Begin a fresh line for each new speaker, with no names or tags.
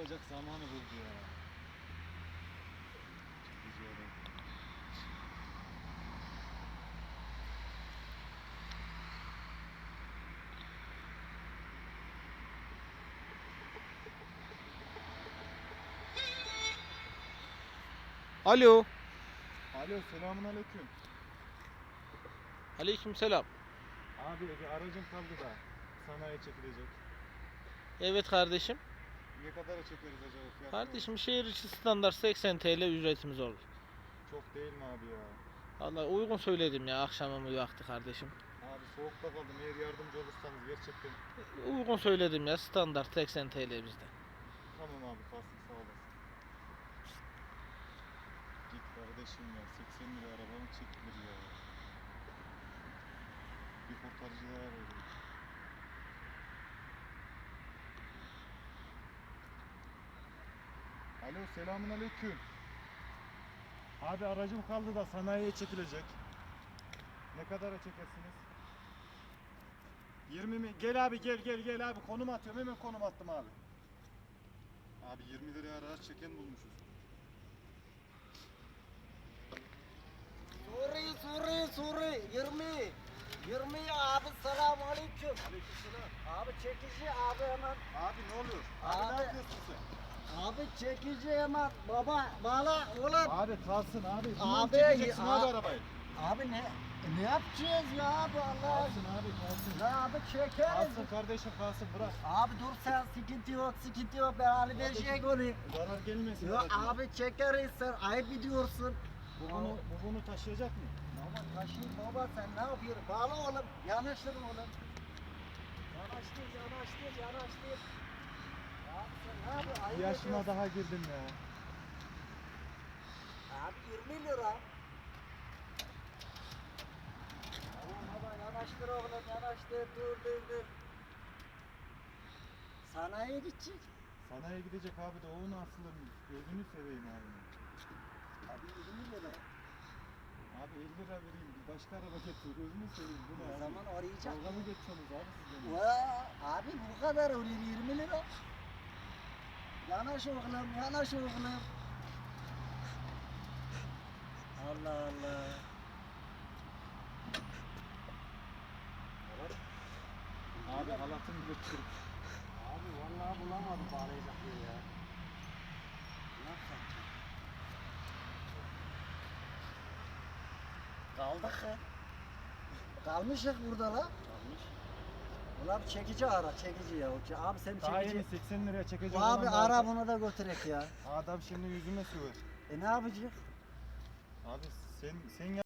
Çakılacak zamanı buldu ya. Çekici adam.
Alo.
Alo, selamun aleyküm.
Aleykümselam.
Abi bir aracım kaldı da sanayiye çekilecek.
Evet kardeşim.
Ne kadara çekeriz acaba fiyat?
Kardeşim şehir içi standart 80 TL ücretimiz olur.
Çok değil mi abi ya?
Vallahi uygun söyledim ya akşamımı vakti kardeşim.
Abi soğukta kaldım. Eğer yardımcı olursanız gerçekten.
Uygun söyledim ya standart 80 TL bizde.
Tamam abi, kalsın, sağ olasın. Git kardeşim ya, 80 lira arabamı çektiler ya. Bir kurtarıcılara veriyorum. Alo, selamun aleyküm. Abi aracım kaldı da sanayiye çekilecek. Ne kadara çekersiniz? 20 mi? Gel abi, gel abi, konum atıyorum, hemen konum attım abi. Abi 20 liraya araç çeken bulmuşuz.
Suri 20 abi, selamun aleyküm.
Aleykümselam.
Abi çekici abi hemen.
Abi ne oluyor? Abi,
Abi.
ne yapıyorsun sen?
Abi çekici hemen baba bağla oğlum.
Abi kalsın abi.
Abi,
Çekeceksin
a-
abi arabayı.
Abi ne yapacağız ya abi Allah
Kalsın
aşkına.
abi, kalsın.
Ya abi çekeriz.
Kalsın kardeşim, kalsın, bırak.
Abi dur sen, sıkıntı yok ben Ali Beyci'ye göreyim.
Zarar gelmesin.
Yok
aracına.
abi çekeriz, sen ayıp ediyorsun.
Bu bunu taşıyacak mı?
Baba taşıyın baba, sen ne yapıyorsun? Bağla oğlum, yanaştır oğlum. Yanaştır. Ya sen ne yapıyorsun? Ayıp
Bir yaşıma
ediyorsun.
daha girdim ya.
Abi 20 lira. Tamam baba yanaştır oğlum, yanaştır, dur. Sanayiye gidecek.
Sanayiye gidecek abi de o nasıl? Gözünü seveyim abi.
Abi 20 lira.
Abi 50 lira vereyim, bir başka araba getir, gözünü seveyim. Bu ne
O
abi?
zaman arayacak.
Dalga mı geçiyorsunuz abi siz benimle?
Abi bu kadar oluyor 20 lira. Yanaş oğlum. Allah Allah.
Abi halatım bile çürük.
Abi vallahi bulamadım bağlayacak yeri ya. Ne yapsak ki? Kaldık ya. Kalmışız burada la. Ulan bir çekici ara, çekici ya. Abi sen
Daha
çekici.
yeni 80 liraya çekecek
Bu
olan
abi
vardı.
ara bunu da götürek ya.
Adam şimdi yüzüme söver.
Ne yapacak?
Abi sen